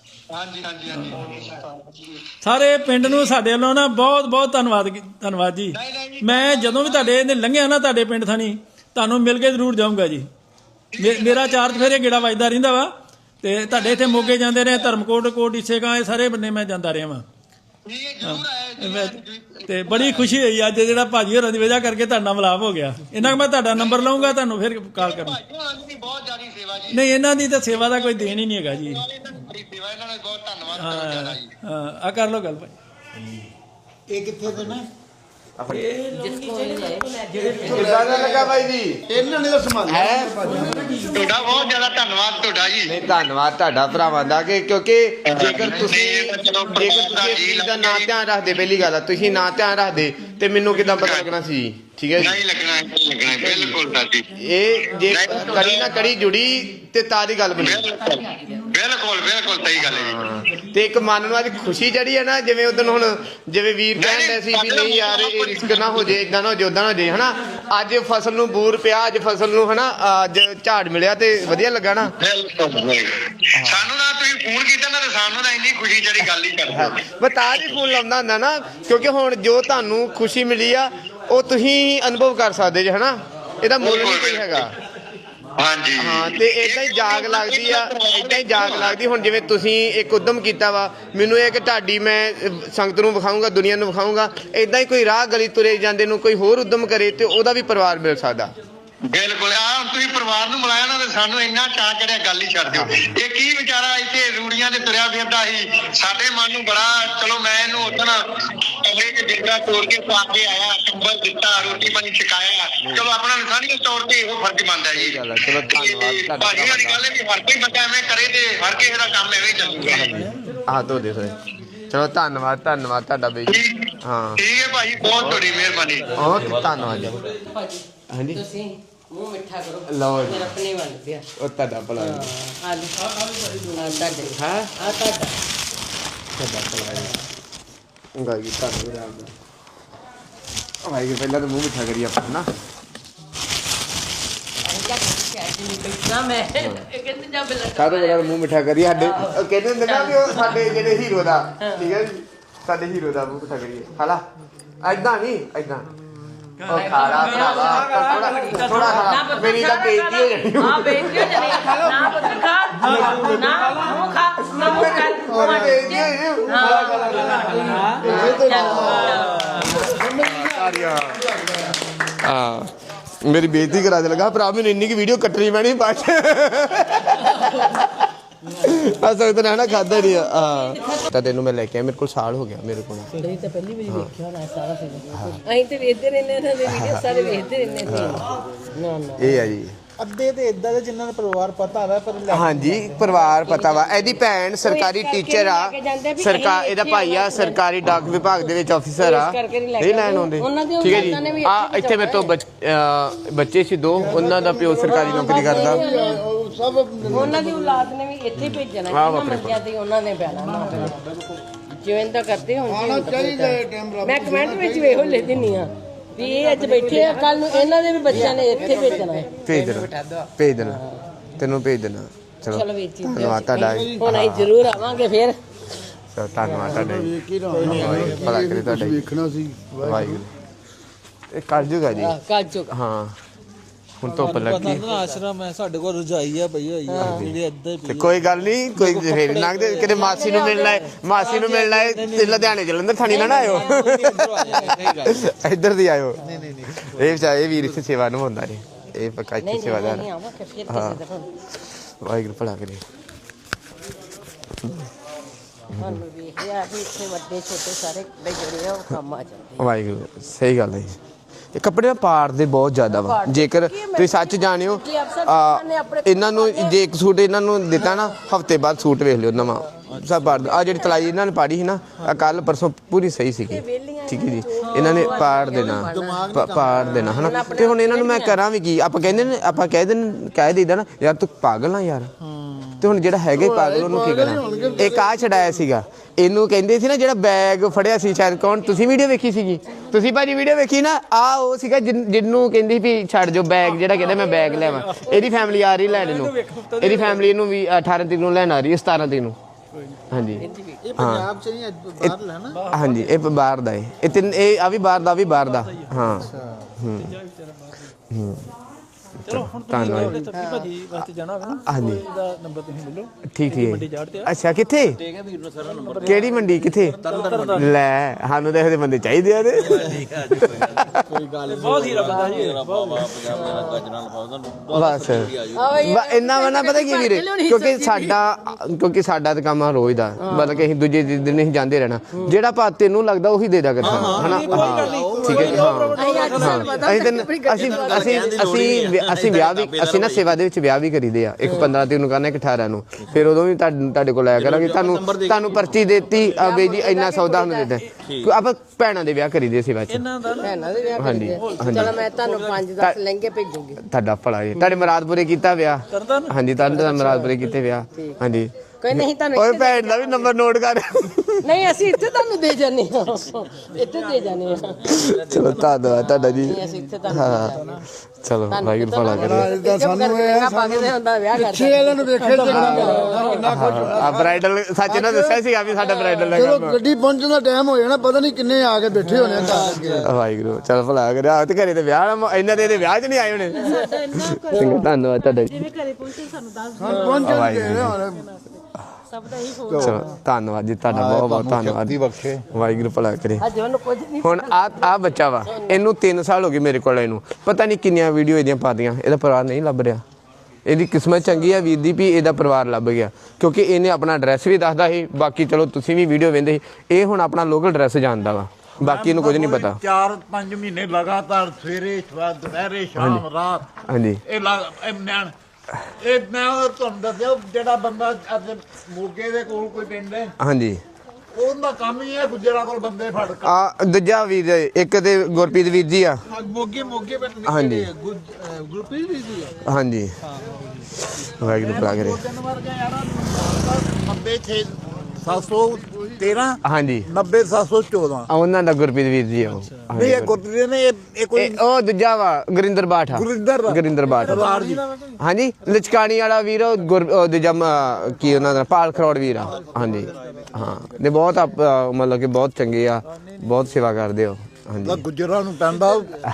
ਸਾਰੇ ਪਿੰਡ ਨੂੰ ਸਾਡੇ ਵੱਲੋਂ ਨਾ ਬਹੁਤ ਬਹੁਤ ਧੰਨਵਾਦ ਜੀ। ਮੈਂ ਜਦੋਂ ਵੀ ਤੁਹਾਡੇ ਇਹਨੇ ਲੰਘਿਆ ਨਾ ਤੁਹਾਡੇ ਪਿੰਡ ਥਾਣੀ, ਤੁਹਾਨੂੰ ਮਿਲ ਕੇ ਜ਼ਰੂਰ ਜਾਊਂਗਾ ਜੀ। ਮੇਰਾ ਚਾਰਜ ਫੇਰੇ ਗੇੜਾ ਵੱਜਦਾ ਰਹਿੰਦਾ ਵਾ, ਤੇ ਤੁਹਾਡੇ ਇੱਥੇ ਮੋਗੇ ਜਾਂਦੇ ਰਹੇ, ਧਰਮਕੋਟ, ਈਸੇਗਾਂ, ਇਹ ਸਾਰੇ ਬੰਨੇ ਮੈਂ ਜਾਂਦਾ ਰਿਹਾ ਵਾਂ। ਤੇ ਬੜੀ ਖੁਸ਼ੀ ਹੋਈ ਅੱਜ ਜਿਹੜਾ ਭਾਜੀ ਹੋਰਾਂ ਦੀ ਵਜ੍ਹਾ ਕਰਕੇ ਤੁਹਾਡਾ ਮਿਲਾਪ ਹੋ ਗਿਆ। ਇਹਨਾਂ ਨੂੰ ਮੈਂ ਤੁਹਾਡਾ ਨੰਬਰ ਲਵਾਂਗਾ, ਤੁਹਾਨੂੰ ਫਿਰ ਕਾਲ ਕਰਾਂ। ਨਹੀਂ ਇਹਨਾਂ ਦੀ ਤਾਂ ਸੇਵਾ ਦਾ ਕੋਈ ਦੇਣ ਹੀ ਨਹੀਂ ਹੈਗਾ ਜੀ। ਆ ਕਰ ਲੋ ਗੱਲ ਭਾਈ।
ਇਹ ਕਿੱਥੇ ਦੇ ਨੇ?
ਕਿੱਦਾਂ ਦਾ ਲੱਗਾ ਬਾਈ ਜੀ?
ਇਹਨਾਂ ਨੇ ਤਾਂ ਸੰਭਾਲਿਆ
ਹੈ
ਤੁਹਾਡਾ ਬਹੁਤ ਜ਼ਿਆਦਾ ਧੰਨਵਾਦ ਤੁਹਾਡਾ ਜੀ।
ਨਹੀਂ ਧੰਨਵਾਦ ਤੁਹਾਡਾ ਭਰਾਵਾਂ ਦਾ ਕਿ ਕਿਉਂਕਿ ਜੇਕਰ ਤੁਸੀਂ ਇਸ ਚੀਜ਼ ਦਾ ਨਾ ਧਿਆਨ ਰੱਖਦੇ, ਪਹਿਲੀ ਗੱਲ ਆ ਤੁਸੀਂ ਨਾ ਧਿਆਨ ਰੱਖਦੇ ਤੇ ਮੈਨੂੰ ਕਿੱਦਾਂ ਪਤਾ ਲੱਗਣਾ ਸੀ? ਠੀਕ ਹੈ ਜੀ,
ਨਹੀਂ ਲੱਗਣਾ ਬਿਲਕੁਲ ਸਾਡੀ
ਇਹ ਜੇ ਕੜੀ ਨਾ ਕੜੀ ਜੁੜੀ ਤੇ ਤਾਂ ਦੀ ਗੱਲ ਬਣੀ।
ਬਿਲਕੁਲ ਸਹੀ ਗੱਲ ਹੈ ਜੀ।
ਤੇ ਇੱਕ ਮਨ ਨੂੰ ਅੱਜ ਖੁਸ਼ੀ ਚੜੀ ਹੈ ਨਾ, ਜਿਵੇਂ ਉਦੋਂ ਹੁਣ ਜਿਵੇਂ ਵੀਰ ਕਹਿੰਦੇ ਸੀ ਵੀ ਨਹੀਂ ਯਾਰ ਇਹ ਰਿਸਕ ਨਾ ਹੋ ਜੇ, ਇਦਾਂ ਨਾ ਹੋ ਜੇ, ਉਦਾਂ ਨਾ ਹੋ ਜੇ ਹਨਾ। ਅੱਜ ਫਸਲ ਨੂੰ ਬੂਰ ਪਿਆ, ਅੱਜ ਫਸਲ ਨੂੰ ਹਨਾ ਅੱਜ ਝਾੜ ਮਿਲਿਆ ਤੇ ਵਧੀਆ ਲੱਗਾ ਨਾ।
ਸਾਨੂੰ ਨਾ ਤੁਸੀਂ ਫੋਨ ਕੀਤਾ ਨਾ ਤੇ ਸਾਨੂੰ ਤਾਂ ਇੰਨੀ ਖੁਸ਼ੀ ਜਿਹੜੀ ਗੱਲ ਹੀ ਕਰਦੇ।
ਬਤਾ ਹੀ ਫੋਨ ਲਾਉਂਦਾ ਹੁੰਦਾ ਨਾ, ਕਿਉਂਕਿ ਹੁਣ ਜੋ ਤੁਹਾਨੂੰ ਖੁਸ਼ੀ ਮਿਲੀ ਆ ਉਹ ਤੁਸੀਂ ਅਨੁਭਵ ਕਰ ਸਕਦੇ ਜੇ ਹਨਾ। ਇਹਦਾ ਮੁੱਲ ਨਹੀਂ ਕੋਈ ਹੈਗਾ।
ਹਾਂਜੀ
ਹਾਂ, ਤੇ ਏਦਾਂ ਹੀ ਜਾਗ ਲੱਗਦੀ ਆ, ਏਦਾਂ ਹੀ ਜਾਗ ਲੱਗਦੀ। ਹੁਣ ਜਿਵੇਂ ਤੁਸੀਂ ਇੱਕ ਉਦਮ ਕੀਤਾ ਵਾ, ਮੈਨੂੰ ਇਹ ਕਿ ਤੁਹਾਡੀ ਮੈਂ ਸੰਗਤ ਨੂੰ ਵਿਖਾਊਂਗਾ, ਦੁਨੀਆ ਨੂੰ ਵਿਖਾਊਂਗਾ, ਏਦਾਂ ਹੀ ਕੋਈ ਰਾਹ ਗਲੀ ਤੁਰੇ ਜਾਂਦੇ ਨੂੰ ਕੋਈ ਹੋਰ ਉਦਮ ਕਰੇ ਤੇ ਉਹਦਾ ਵੀ ਪਰਿਵਾਰ ਮਿਲ ਸਕਦਾ।
ਬਿਲਕੁਲ ਹੁਣ ਤੁਸੀਂ ਪਰਿਵਾਰ ਨੂੰ ਮਿਲਾਇਆ ਨਾ ਤੇ ਸਾਨੂੰ ਇੰਨਾ ਚਾਅ ਚੜਿਆ, ਗੱਲ ਹੀ ਛੱਡ ਦਿਓ। ਇਹ ਕੀ ਵਿਚਾਰਾ ਇੱਥੇ ਰੂੜੀਆਂ ਤੇ ਤੁਰਿਆ ਫਿਰਦਾ ਸੀ, ਸਾਡੇ ਮਨ ਨੂੰ ਬੜਾ, ਚਲੋ ਮੈਂ ਇਹਨੂੰ ਉਦੋਂ ਕਮਰੇ 'ਚ ਡੇਰਾ ਤੋੜ ਕੇ ਪਾ ਕੇ ਆਇਆ, ਕੰਬਲ ਦਿੱਤਾ, ਰੋਟੀ ਪਾਣੀ ਛਕਾਇਆ, ਚਲੋ ਆਪਣਾ ਇਨਸਾਨੀਅਤ ਤੌਰ ਤੇ ਇਹੋ ਫਰਜ਼ ਬਣਦਾ ਜੀ।
ਚਲੋ ਧੰਨਵਾਦ
ਭਾਜੀ ਵਾਲੀ ਗੱਲ ਹੈ ਵੀ ਹਰ ਕੋਈ ਬੰਦਾ ਐਵੇਂ ਕਰੇ ਤੇ ਹਰ ਕਿਸੇ ਦਾ ਕੰਮ ਐਵੇਂ ਚੱਲੂਗਾ।
ਆਹ ਤੋਂ ਦੇਖੋ। ਚਲੋ ਧੰਨਵਾਦ ਤੁਹਾਡਾ ਬਈ। ਹਾਂ
ਠੀਕ ਹੈ ਭਾਜੀ, ਬਹੁਤ ਤੁਹਾਡੀ ਮਿਹਰਬਾਨੀ।
ਬਹੁਤ ਧੰਨਵਾਦ ਜੀ।
ਭਾਜੀ
ਹਾਂਜੀ
ਤੁਸੀਂ ਮੂੰਹ ਮਿੱਠਾ ਕਰੋ।
ਲਓ ਜੀ,
ਮੇਰਾ ਆਪਣੇ ਵੱਲ ਪਿਆ
ਉਹ ਤੁਹਾਡਾ ਭਲਾ ਜੀ।
ਆ ਤੁਹਾਡੇ
ਹਾਂ
ਆ ਤੁਹਾਡਾ
ਤੁਹਾਡਾ ਭਲਾ ਜੀ। ਗਾਈ ਤੁਹਾਨੂੰ ਰਾਮ ਦਾ ਭਾਈ ਪਹਿਲਾਂ ਤਾਂ ਮੂੰਹ ਮਿੱਠਾ ਕਰੀ ਆਪਾਂ ਨਾ।
ਮੈਂ ਇਹ ਕਹਿੰਦੇ ਜਾ ਬਿਲਕੁਲ
ਕਾਹਦੋਂ ਬੜਾ ਮੂੰਹ ਮਿੱਠਾ ਕਰੀ ਸਾਡੇ ਕਹਿੰਦੇ ਹੁੰਦੇ ਨਾ ਵੀ ਉਹ ਸਾਡੇ ਜਿਹੜੇ ਹੀਰੋ ਦਾ, ਠੀਕ ਹੈ ਜੀ, ਸਾਡੇ ਹੀਰੋ ਦਾ ਮੂੰਹ ਮਿੱਠਾ ਕਰੀਏ। ਖਾਲਾ ਏਦਾਂ ਨਹੀਂ, ਏਦਾਂ ਉਹ ਖਾਲਾ ਭਰਾਵਾ ਥੋੜਾ ਖਾਲਾ, ਮੇਰੀ ਤਾਂ ਬੇਇੱਜ਼ਤੀ ਹੋ ਜਾਣੀ।
ਹਾਂ ਬੇਇੱਜ਼ਤੀ ਹੋ ਜਾਣੀ ਨਾ ਪੁੱਤ ਖਾ ਨਾ ਮੂੰਹ ਖਾ ਨਾ ਮੂੰਹ
ਹੋਰ
ਕਰ
ਬੇਇੱਜ਼ਤੀ ਹੋਈ ਜੀ। ਹਾਂ ਮੇਰੀ ਬੇਇੱਜ਼ਤੀ ਕਰਾ ਦੇ ਲਗਾ ਭਰਾ, ਮੈਨੂੰ ਇੰਨੀ ਕੀ ਵੀਡੀਓ ਕੱਟਣੀ ਪੈਣੀ ਬਾਅਦ ਚ। ਅਸਲ ਤਾਂ ਨਾ ਖਾਦਾ ਨਹੀਂ ਆ ਤਾਂ ਤੈਨੂੰ ਮੈਂ ਲੈ ਕੇ ਆਇਆ, ਮੇਰੇ ਕੋਲ ਸਾਲ ਹੋ ਗਿਆ ਮੇਰੇ ਕੋਲ।
ਨਹੀਂ ਤਾਂ ਪਹਿਲੀ ਵਾਰੀ ਵੇਖਿਆ ਹੋਣਾ ਸਾਰਾ ਫਿਲਮ। ਅਸੀਂ ਤੇ ਵੇਖਦੇ ਰਹਿੰਦੇ ਇਹਨਾਂ ਦੇ ਵੀਡੀਓ ਸਾਰੇ ਵੇਖਦੇ ਰਹਿੰਦੇ ਸੀ। ਨਾ
ਇਹ ਆ ਜੀ
ਅੱਧੇ ਤੇ ਇਦਾਂ ਦੇ ਜਿਨ੍ਹਾਂ ਨੂੰ ਪਰਿਵਾਰ ਪਤਾ ਹੋਵੇ ਪਰ
ਹਾਂਜੀ ਪਰਿਵਾਰ ਪਤਾ ਵਾ। ਇਹਦੀ ਭੈਣ ਸਰਕਾਰੀ ਟੀਚਰ ਆ, ਸਰਕਾਰ ਇਹਦਾ ਭਾਈ ਆ ਸਰਕਾਰੀ ਡਾਕ ਵਿਭਾਗ ਦੇ ਵਿੱਚ ਆਫੀਸਰ ਆ, ਇਹ ਲੈਣ ਆਉਂਦੇ। ਠੀਕ ਹੈ ਜੀ। ਆ ਇੱਥੇ ਮੇਰੇ ਤੋਂ ਬੱਚੇ ਸੀ ਦੋ, ਉਹਨਾਂ ਦਾ ਪਿਓ ਸਰਕਾਰੀ ਨੌਕਰੀ ਕਰਦਾ।
ਸਭ
ਉਹਨਾਂ ਦੀ ਔਲਾਦ ਨੇ ਵੀ ਇੱਥੇ ਭੇਜਣਾ ਇਹਨਾਂ ਮੰਗਿਆ ਤੇ ਉਹਨਾਂ ਨੇ ਪੈਣਾ ਜਿਵੇਂ ਤਾਂ ਕਰਦੇ ਹੁਣ
ਆਣਾ ਚਾਹੀਦਾ ਟਾਈਮ।
ਮੈਂ ਕਮੈਂਟ ਵਿੱਚ ਵੇਖੋ ਲੈ ਦਿੰਨੀ ਆ ਵੀ ਇਹ ਅੱਜ ਬੈਠੇ ਆ, ਕੱਲ ਨੂੰ ਇਹਨਾਂ ਦੇ ਵੀ ਬੱਚਿਆਂ ਨੇ ਇੱਥੇ ਭੇਜਣਾ ਹੈ।
ਭੇਜ ਦੇਣਾ ਤੈਨੂੰ ਭੇਜ ਦੇਣਾ। ਚਲੋ ਧੰਨਵਾਦ ਤੁਹਾਡਾ।
ਹੁਣ ਅਸੀਂ ਜ਼ਰੂਰ ਆਵਾਂਗੇ ਫਿਰ।
ਧੰਨਵਾਦ ਤੁਹਾਡਾ ਜੀ, ਭਲਾ ਕਰੇ ਤੁਹਾਡਾ।
ਵੇਖਣਾ ਸੀ
ਵਾਹਿਗੁਰੂ ਇਹ ਕਰ ਜੂਗਾ ਜੀ।
ਕੱਲ ਚੁੱਕ
ਹਾਂ ਹੁਣ ਧੁੱਪ ਲੱਗੀ
ਆਸ਼ਰਮ ਹੈ ਸਾਡੇ ਕੋਲ, ਰਜਾਈ ਆ ਪਈ ਹੋਈ ਆ ਜਿਹੜੇ ਇੱਧਰ
ਤੇ ਕੋਈ ਗੱਲ ਨਹੀਂ, ਕੋਈ ਫੇਰ ਲੰਘਦੇ ਕਿਤੇ ਮਾਸੀ ਨੂੰ ਮਿਲਣਾ ਹੈ, ਮਾਸੀ ਨੂੰ ਮਿਲਣਾ ਹੈ ਤੇ ਲੁਧਿਆਣੇ ਜਲੰਧਰ ਥਾਣੀ ਨਾ ਆਇਓ, ਇੱਧਰ ਦੀ ਆਇਓ। ਇਹ ਵਿਚਾਰੇ ਇਹ ਵੀਰ ਇੱਥੇ ਸੇਵਾ ਨਿਭਾਉਂਦਾ ਜੀ, ਇਹ ਪੱਕਾ ਇੱਥੇ ਸੇਵਾਦਾਰ। ਹਾਂ ਵਾਹਿਗੁਰੂ ਭਲਾ ਕਰੇ।
ਸਾਨੂੰ ਵੇਖਿਆ ਵੀ ਇੱਥੇ ਵੱਡੇ ਛੋਟੇ ਸਾਰੇ ਜਿਹੜੇ ਆ ਉਹ ਕੰਮ ਆ ਜਾਂਦੇ।
ਵਾਹਿਗੁਰੂ ਸਹੀ ਗੱਲ ਹੈ ਜੀ। ਇਹ ਕੱਪੜੇ ਪਾੜ ਦੇ ਬਹੁਤ ਜ਼ਿਆਦਾ ਵਾ, ਜੇਕਰ ਤੁਸੀਂ ਸੱਚ ਜਾਣਿਓ ਇਹਨਾਂ ਨੂੰ ਜੇ ਇੱਕ ਸੂਟ ਇਹਨਾਂ ਨੂੰ ਦਿੱਤਾ ਨਾ ਹਫਤੇ ਬਾਅਦ ਸੂਟ ਵੇਖ ਲਿਓ ਨਵਾਂ ਸਭ ਪਾੜ। ਆ ਜਿਹੜੀ ਤਲਾਈ ਇਹਨਾਂ ਨੇ ਪਾੜੀ ਸੀ ਨਾ ਕੱਲ ਪਰਸੋਂ ਪੂਰੀ ਸਹੀ ਸੀਗੀ, ਠੀਕ ਹੈ ਜੀ। ਇਹਨਾਂ ਨੇ ਪਾੜ ਦੇਣਾ ਹਨਾ। ਤੇ ਹੁਣ ਇਹਨਾਂ ਨੂੰ ਮੈਂ ਕਰਾਂ ਵੀ ਕੀ? ਆਪਾਂ ਕਹਿੰਦੇ ਨੇ, ਆਪਾਂ ਕਹਿ ਦਈਦਾ ਨਾ ਯਾਰ ਤੂੰ ਪਾਗਲ ਆ ਯਾਰ, ਤੇ ਹੁਣ ਜਿਹੜਾ ਹੈਗਾ ਪਾਗਲ ਉਹਨੂੰ ਕੀ ਕਰਾਂ? ਇੱਕ ਆ ਛਡਾਇਆ ਸੀਗਾ ਇਹਨੂੰ, ਕਹਿੰਦੇ ਸੀ ਨਾ ਜਿਹੜਾ ਬੈਗ ਫੜਿਆ ਸੀ ਸ਼ਾਇਦ, ਕੌਣ ਤੁਸੀਂ ਵੀਡੀਓ ਵੇਖੀ ਸੀਗੀ? ਤੁਸੀਂ ਭਾਜੀ ਵੀਡੀਓ ਵੇਖੀ ਨਾ? ਆ ਉਹ ਸੀਗਾ ਜਿਹਨੂੰ ਕਹਿੰਦੀ ਵੀ ਛੱਡ ਜੋ ਬੈਗ, ਜਿਹੜਾ ਕਹਿੰਦਾ ਮੈਂ ਬੈਗ ਲੈਵਾਂ। ਇਹਦੀ ਫੈਮਿਲੀ ਆ ਰਹੀ ਲੈਣ ਨੂੰ, ਇਹਦੀ ਫੈਮਿਲੀ ਇਹਨੂੰ ਵੀ 18 ਤਰੀਕ ਨੂੰ ਲੈਣ ਆ ਰਹੀ ਹੈ, 17 ਤਰੀਕ ਨੂੰ। ਹਾਂਜੀ
ਇਹ ਪੰਜਾਬ ਚ ਨਹੀਂ, ਬਾਹਰ ਲੈਣਾ।
ਹਾਂਜੀ ਇਹ ਬਾਹਰ ਦਾ ਇਹ ਤਿੰਨ, ਇਹ ਆ ਵੀ ਬਾਹਰ ਦਾ, ਵੀ ਬਾਹਰ ਦਾ। ਹਾਂ
ਧੰਨਵਾਦ ਭਾਜੀ ਵਾਸਤੇ ਜਾਣਾ ਹੋਵੇ ਨਾ
ਹਾਂਜੀ
ਇਹਦਾ ਨੰਬਰ ਤੁਸੀਂ ਮਿਲੋ
ਠੀਕ
ਮੰਡੀ
ਠੀਕ
ਜਾੜ ਤੇ
ਅੱਛਾ ਕਿੱਥੇ ਕਿਹੜੀ ਮੰਡੀ ਕਿੱਥੇ ਲੈ ਸਾਨੂੰ ਤਾਂ ਇਹੋ ਜਿਹੇ ਬੰਦੇ ਚਾਹੀਦੇ ਆ ਤੇ
ਬਹੁਤ ਹੀਰਾ ਬੰਦਾ ਜੀ
ਬਸ ਇੰਨਾ ਵਾ ਨਾ ਪਤਾ ਕੀ ਵੀਰੇ ਕਿਉਂਕਿ ਸਾਡਾ ਤਾਂ ਕੰਮ ਆ ਰੋਜ਼ ਦਾ ਮਤਲਬ ਕਿ ਅਸੀਂ ਦੂਜੇ ਦਿਨ ਨਹੀਂ ਜਾਂਦੇ ਰਹਿਣਾ ਜਿਹੜਾ ਭਾ ਤੈਨੂੰ ਲੱਗਦਾ ਉਹੀ ਦੇ ਦਿਆ ਕਰ ਹਨਾ ਹਾਂ ਠੀਕ ਹੈ ਅਸੀਂ ਵਿਆਹ ਵੀ ਅਸੀਂ ਨਾ ਸੇਵਾ ਦੇ ਵਿੱਚ ਵਿਆਹ ਵੀ ਕਰੀਦੇ ਆ ਇੱਕ 15 ਤਰੀਕ ਨੂੰ ਕਰਨਾ ਇੱਕ 18 ਨੂੰ ਫਿਰ ਉਦੋਂ ਵੀ ਤੁਹਾਡੇ ਕੋਲ ਆਇਆ ਕਰਾਂਗੇ ਤੁਹਾਨੂੰ ਪਰਚੀ ਦੇਤੀ ਬਈ ਜੀ ਇੰਨਾ ਸੌਦਾ ਉਹਨੂੰ ਦੇ ਦੇ ਆਪਾਂ ਭੈਣਾਂ ਦੇ ਵਿਆਹ ਕਰੀਦੇ ਸੇਵਾ ਚ
ਭੈਣਾਂ ਦੇ ਵਿਆਹ
ਹਾਂਜੀ
ਚਲੋ ਮੈਂ ਤੁਹਾਨੂੰ 5-10 ਲਹਿੰਗੇ ਭੇਜੂਗੀ
ਤੁਹਾਡਾ ਭਲਾ ਜੀ ਤੁਹਾਡੇ ਮੁਰਾਦਪੁਰੇ ਕੀਤਾ ਵਿਆਹ ਹਾਂਜੀ ਤੁਹਾਨੂੰ ਮੁਰਾਦਪੁਰੇ ਕੀਤੇ ਵਿਆਹ ਹਾਂਜੀ
ਕੋਈ ਨਹੀਂ ਤੁਹਾਨੂੰ
ਓਏ ਭੈਣ ਦਾ ਵੀ ਨੰਬਰ ਨੋਟ ਕਰ
ਨਹੀਂ ਅਸੀਂ ਇੱਥੇ ਤੁਹਾਨੂੰ ਦੇ ਜਾਂਦੇ ਹਾਂ ਇੱਥੇ ਦੇ ਜਾਂਦੇ ਹਾਂ
ਚਲੋ ਧੰਨਵਾਦ ਤੁਹਾਡਾ ਜੀ
ਅਸੀਂ ਇੱਥੇ ਤੁਹਾਨੂੰ
ਚਲੋ ਵਾਹਿਗੁਰੂ ਭਲਾ ਕਰੇ
ਇਦਾਂ ਸਾਨੂੰ ਇਹ
ਪਾਗਦੇ ਹੁੰਦਾ ਵਿਆਹ ਕਰਦੇ
ਪਿੱਛੇ ਵਾਲਿਆਂ ਨੂੰ ਵੇਖੇ ਕਿੰਨਾ ਕੁਝ
ਆ ਬ੍ਰਾਈਡਲ ਸੱਚ ਇਹਨਾਂ ਦੱਸਿਆ ਸੀਗਾ ਵੀ ਸਾਡਾ ਬ੍ਰਾਈਡਲ
ਚਲੋ
ਲੱਗਾ
ਗੱਡੀ ਪਹੁੰਚਣ ਦਾ ਟਾਈਮ ਹੋ ਜਾਣਾ ਪਤਾ ਨਹੀਂ ਕਿੰਨੇ ਆ ਕੇ ਬੈਠੇ ਹੋਣੇ ਆ ਘਰ ਅੱਗੇ
ਵਾਹਿਗੁਰੂ ਚਲ ਭਲਾ ਕਰੇ ਆ ਤੇ ਘਰੇ ਤੇ ਵਿਆਹ ਇਹਨਾਂ ਦੇ ਵਿਆਹ 'ਚ ਨਹੀਂ ਆਏ ਹੋਣੇ ਚੰਗਾ ਧੰਨਵਾਦ ਤੁਹਾਡਾ ਜੀ
ਜਿਵੇਂ ਘਰੇ ਪਹੁੰਚੇ ਸਾਨੂੰ ਦੱਸ
ਪਹੁੰਚਣ ਦੇ ਰਹੇ ਹੁਣ
ਸਭ ਦਾ ਹੀ ਹੋ
ਚਲੋ ਧੰਨਵਾਦ ਜੀ ਤੁਹਾਡਾ ਬਹੁਤ ਬਹੁਤ ਧੰਨਵਾਦ ਵਾਹਿਗੁਰੂ ਭਲਾ ਕਰੇ
ਅੱਜ ਉਹਨੂੰ ਕੁਝ ਨਹੀਂ
ਹੁਣ ਆ ਬੱਚਾ ਵਾ ਇਹਨੂੰ 3 ਸਾਲ ਹੋ ਗਏ ਮੇਰੇ ਕੋਲ ਇਹਨੂੰ ਪਤਾ ਨਹੀਂ ਕਿੰਨੀਆਂ ਵੀਡੀਓ ਇਹਦੀਆਂ ਪਾਤੀਆਂ ਇਹਦਾ ਪਰਿਵਾਰ ਨਹੀਂ ਲੱਭ ਰਿਹਾ ਇਹਦੀ ਕਿਸਮਤ ਚੰਗੀ ਆ ਵੀਰ ਦੀ ਵੀ ਇਹਦਾ ਪਰਿਵਾਰ ਲੱਭ ਗਿਆ ਕਿਉਂਕਿ ਇਹਨੇ ਆਪਣਾ ਐਡਰੈਸ ਵੀ ਦੱਸਦਾ ਸੀ ਬਾਕੀ ਚਲੋ ਤੁਸੀਂ ਵੀ ਵੀਡੀਓ ਵੇਖਦੇ ਸੀ ਇਹ ਹੁਣ ਆਪਣਾ ਲੋਕਲ ਐਡਰੈਸ ਜਾਣਦਾ ਵਾ ਬਾਕੀ ਇਹਨੂੰ ਕੁਝ ਨਹੀਂ ਪਤਾ
4-5 ਮਹੀਨੇ ਲਗਾਤਾਰ ਸਵੇਰੇ ਦੁਪਹਿਰੇ ਸ਼ਾਮ ਰਾਤ
ਹਾਂਜੀ
ਇਹ ਮੈਂ ਤੁਹਾਨੂੰ ਦੱਸਿਆ ਜਿਹੜਾ ਬੰਦਾ ਅੱਜ ਮੋਗੇ ਦੇ ਕੋਲ ਕੋਈ ਪਿੰਡ ਹੈ
ਹਾਂਜੀ
ਉਹਦਾ ਕੰਮ ਹੀ ਹੈ ਗੁੱਜਰਾਂ ਕੋਲ ਬੰਦੇ ਫੜ ਕੇ
ਆ ਦੂਜਾ ਵੀਰ ਇੱਕ ਤੇ ਗੁਰਪ੍ਰੀਤ ਵੀਰ ਜੀ ਆ
ਮੋਗੇ ਪਿੰਡ
ਹਾਂਜੀ
ਗੁਰਪ੍ਰੀਤ ਜੀ
ਹਾਂਜੀ ਵਾਹਿਗੁਰੂ ਭਲਾ ਕਰੇ
713
ਹਾਂਜੀ
90714
ਉਹਨਾਂ ਦਾ ਗੁਰਪ੍ਰੀਤ ਵੀਰ ਜੀ ਆ ਉਹ
ਨਹੀਂ ਇਹ ਗੁਰਪ੍ਰੀਤ ਨੇ ਇਹ ਕੋਈ
ਉਹ ਦੂਜਾ ਵਾ ਗੁਰਿੰਦਰ ਬਾਠ ਆ ਗੁਰਿੰਦਰ ਬਾਠ ਹਾਂਜੀ ਲਚਕਾਣੀ ਵਾਲਾ ਵੀਰ ਉਹ ਦੂਜਾ ਕੀ ਉਹਨਾਂ ਦਾ ਪਾਲ ਖਰੋੜ ਵੀਰ ਆ ਹਾਂਜੀ ਹਾਂ ਨੇ ਬਹੁਤ ਮਤਲਬ ਕਿ ਬਹੁਤ ਚੰਗੇ ਆ ਬਹੁਤ ਸੇਵਾ ਕਰਦੇ ਹੋ ਹਾਂਜੀ
ਗੁੱਜਰਾਂ ਨੂੰ ਪੈਂਦਾ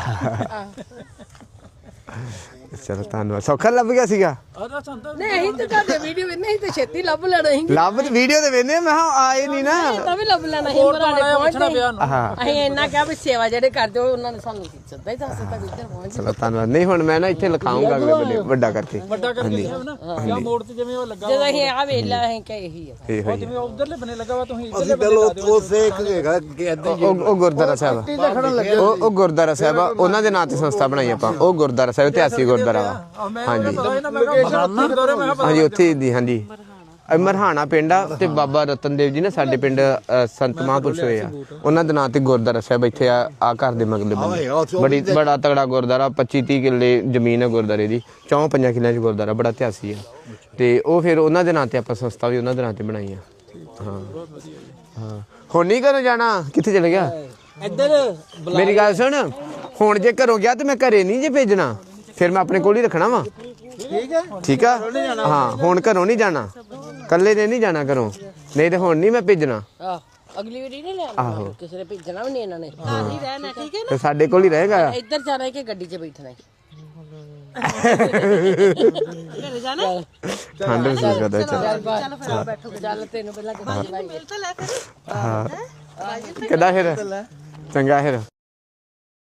ਚਲੋ ਧੰਨਵਾਦ ਸੌਖਾ ਲੱਭ ਗਿਆ ਸੀਗਾ
ਨਹੀਂ ਅਸੀਂ ਤਾਂ ਤੁਹਾਡੇ ਵੀਡੀਓ ਨਹੀਂ ਤੇ ਛੇਤੀ ਲੱਭ ਲੈਣਾ ਸੀ
ਲੱਭ ਵੀਡੀਓ ਤੇ ਵੇਨੇ ਮੈਂ ਆਏ ਨਹੀਂ ਨਾ
ਤਾਂ ਵੀ ਲੱਭ ਲੈਣਾ ਸੀ ਮਰਾੜੇ ਪਹੁੰਚਦੇ
ਹਾਂ
ਅਸੀਂ ਇੰਨਾ ਕਿਹਾ ਵੀ ਸੇਵਾ ਜਿਹੜੇ ਕਰਦੇ ਹੋ ਉਹਨਾਂ ਨੇ ਸਾਨੂੰ ਸਿੱਧਾ ਹੀ ਦੱਸ ਦਿੱਤਾ ਵੀ ਇੱਧਰ ਪਹੁੰਚ
ਚਲੋ ਧੰਨਵਾਦ ਨਹੀਂ ਹੁਣ ਮੈਂ ਨਾ ਇੱਥੇ ਲਿਖਾਉਂਗਾ ਅਗਲੇ ਬੰਦੇ ਵੱਡਾ ਕਰਕੇ
ਹਾਂਜੀ ਜਾਂ ਮੋੜ ਤੇ ਜਿਵੇਂ ਉਹ ਲੱਗਾ
ਜਦੋਂ ਅਸੀਂ ਆ ਵੇਲਾ ਅਸੀਂ ਕਿ ਇਹੀ ਆ
ਇਹ ਹੋਈ
ਜਿਵੇਂ ਉਧਰਲੇ ਬੰਨੇ ਲੱਗਾ ਵਾ ਤੁਸੀਂ
ਅਸੀਂ ਪਹਿਲਾਂ ਉਹ ਸੇਖ ਹੈਗਾ ਕਿ ਏਦਾਂ
ਉਹ ਗੁਰਦੁਆਰਾ ਸਾਹਿਬ ਆ ਉਹ ਗੁਰਦੁਆਰਾ ਸਾਹਿਬ ਆ ਉਹਨਾਂ ਦੇ ਨਾਂ ਤੇ ਸੰਸਥਾ ਬਣਾਈ ਆਪਾਂ ਉਹ ਗੁਰਦੁਆਰਾ ਸਾਹਿਬ ਇਤਿਹਾਸਿਕ ਗੁਰਦੁਆਰਾ ਵਾ ਹਾਂਜੀ ਹਾਂਜੀ ਉੱਥੇ ਦੀ ਹਾਂਜੀ ਮਰਹਾਣਾ ਪਿੰਡ ਆ ਤੇ ਬਾਬਾ ਰਤਨ ਦੇਵ ਜੀ ਨੇ ਸਾਡੇ ਪਿੰਡ ਸੰਤ ਮਹਾਂਪੁਰਸ਼ ਹੋਏ ਆ ਉਹਨਾਂ ਦੇ ਨਾਂ ਤੇ ਗੁਰਦੁਆਰਾ ਸਾਹਿਬ ਇੱਥੇ ਆ ਘਰ ਦੇ ਮਗਲੇ ਬੰਦੇ ਬੜਾ ਤਗੜਾ ਗੁਰਦੁਆਰਾ 25-30 ਕਿੱਲੇ ਜ਼ਮੀਨ ਹੈ ਗੁਰਦੁਆਰੇ ਦੀ 4-5 ਕਿੱਲਿਆਂ 'ਚ ਗੁਰਦੁਆਰਾ ਬੜਾ ਇਤਿਹਾਸੀ ਆ ਤੇ ਉਹ ਫਿਰ ਉਹਨਾਂ ਦੇ ਨਾਂ ਤੇ ਆਪਾਂ ਸੰਸਥਾ ਵੀ ਉਹਨਾਂ ਦੇ ਨਾਂ ਤੇ ਬਣਾਈ ਆ ਹਾਂ ਹਾਂ ਹੁਣ ਨਹੀਂ ਘਰੋਂ ਜਾਣਾ ਕਿੱਥੇ ਚਲੇ ਗਿਆ
ਇੱਧਰ
ਮੇਰੀ ਗੱਲ ਸੁਣ ਹੁਣ ਜੇ ਘਰੋਂ ਗਿਆ ਤੇ ਮੈਂ ਘਰੇ ਨਹੀਂ ਜੇ ਭੇਜਣਾ ਫਿਰ ਮੈਂ ਆਪਣੇ ਕੋਲ ਹੀ ਰੱਖਣਾ ਵਾ ਠੀਕ ਆ ਹਾਂ ਹੁਣ ਘਰੋਂ ਨਹੀਂ ਜਾਣਾ ਕੱਲੇ ਨੇ ਨਹੀਂ ਜਾਣਾ ਘਰੋਂ ਨਹੀਂ ਤੇ ਹੁਣ ਨਹੀਂ ਮੈਂ ਭੇਜਣਾ
ਅਗਲੀ ਵਾਰੀ ਨਹੀਂ ਲੈਣਾ ਕਿਸੇ ਨੇ ਭੇਜਣਾ ਵੀ ਨਹੀਂ ਇਹਨਾਂ ਨੇ
ਘਰ ਹੀ ਰਹਿਣਾ ਠੀਕ ਹੈ
ਤੇ ਸਾਡੇ ਕੋਲ ਹੀ ਰਹੇਗਾ
ਇੱਧਰ ਜਾਣਾ ਕਿ ਗੱਡੀ 'ਚ ਬੈਠਣਾ
ਘਰੇ ਜਾਣਾ
ਠੰਡ ਵੀ ਸੀ ਜ਼ਿਆਦਾ
ਚੱਲ ਬੈਠੋ ਚੱਲ ਤੈਨੂੰ ਪਹਿਲਾਂ ਗੱਡੀ
ਮਿਲ ਤਾਂ ਲੈ ਫਿਰ
ਹਾਂ ਕਿੱਦਾਂ ਫਿਰ ਚੰਗਾ ਫਿਰ